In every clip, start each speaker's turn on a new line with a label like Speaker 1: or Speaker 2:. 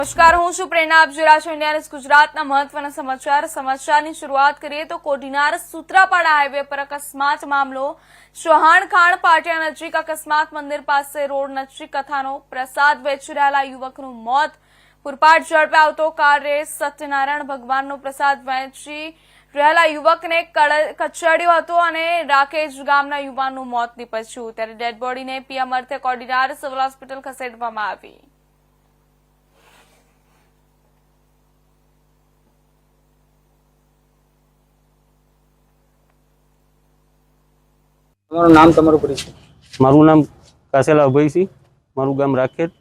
Speaker 1: નમસ્કાર, હું છું પ્રેરણા. આપ જોઈ રહ્યા છો ઇન્ડિયા ન્યૂઝ ગુજરાતના મહત્વના સમાચારની શરૂઆત કરીએ તો કોડીનાર સૂત્રાપાડા હાઈવે પર અકસ્માત મામલો. ચૌહાણખાણ પાટિયા નજીક અકસ્માત. મંદિર પાસે રોડ નજીક કથાનો પ્રસાદ વેચી રહેલા યુવકનું મોત. પૂરપાટ ઝડપે આવતો કાર રેસ. સત્યનારાયણ ભગવાનનો પ્રસાદ વેચી રહેલા યુવકને કચડ્યો હતો અને રાકેશ ગામના યુવાનનું મોત નીપજ્યું. ત્યારે ડેડ બોડીને પીએમ અર્થે કોડીનાર સિવિલ હોસ્પિટલ ખસેડવામાં આવી.
Speaker 2: તમારું નામ, તમારું પરિચય?
Speaker 3: મારું નામ કાસેલા અભયસિંહ, મારું ગામ રાખેત.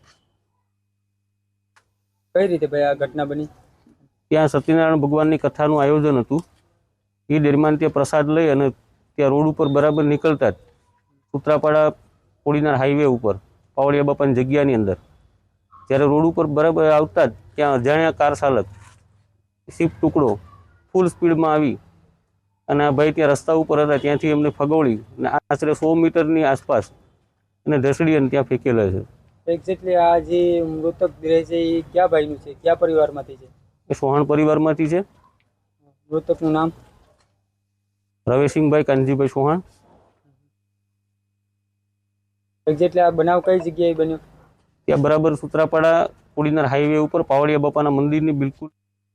Speaker 2: કઈ રીતે ભાઈ આ ઘટના બની?
Speaker 3: ત્યાં સત્યનારાયણ ભગવાનની કથાનું આયોજન હતું. એ દરમિયાન ત્યાં પ્રસાદ લઈ અને ત્યાં રોડ ઉપર બરાબર નીકળતા જ સૂત્રાપાડા કોડીનાર હાઈવે ઉપર પાવળિયા બાપાની જગ્યાની અંદર જ્યારે રોડ ઉપર બરાબર આવતા જ ત્યાં અજાણ્યા કાર ચાલક શિફ્ટ ટુકડો ફૂલ સ્પીડમાં આવી અને આ ભાઈ ત્યાં રસ્તા ઉપર હતા ત્યાંથી એમને ફગવડી અને આશરે 100 મીટરની આસપાસ અને ઢસડી અને ત્યાં ફેંકેલા છે.
Speaker 2: એક્ઝેક્ટલી આ જે મૃતક રહે છે એ કયા ભાઈનું છે, કયા પરિવારમાંથી છે?
Speaker 3: એ ચૌહાણ પરિવારમાંથી છે.
Speaker 2: મૃતકનું નામ?
Speaker 3: રવેશિંગભાઈ કાનજીભાઈ ચૌહાણ.
Speaker 2: એક્ઝેક્ટલી આ બનાવ કઈ જગ્યાએ બન્યો?
Speaker 3: ત્યાં બરાબર સૂત્રાપાડા કોડીનાર હાઈવે ઉપર પાવળિયા બાપાના મંદિરની બિલકુલ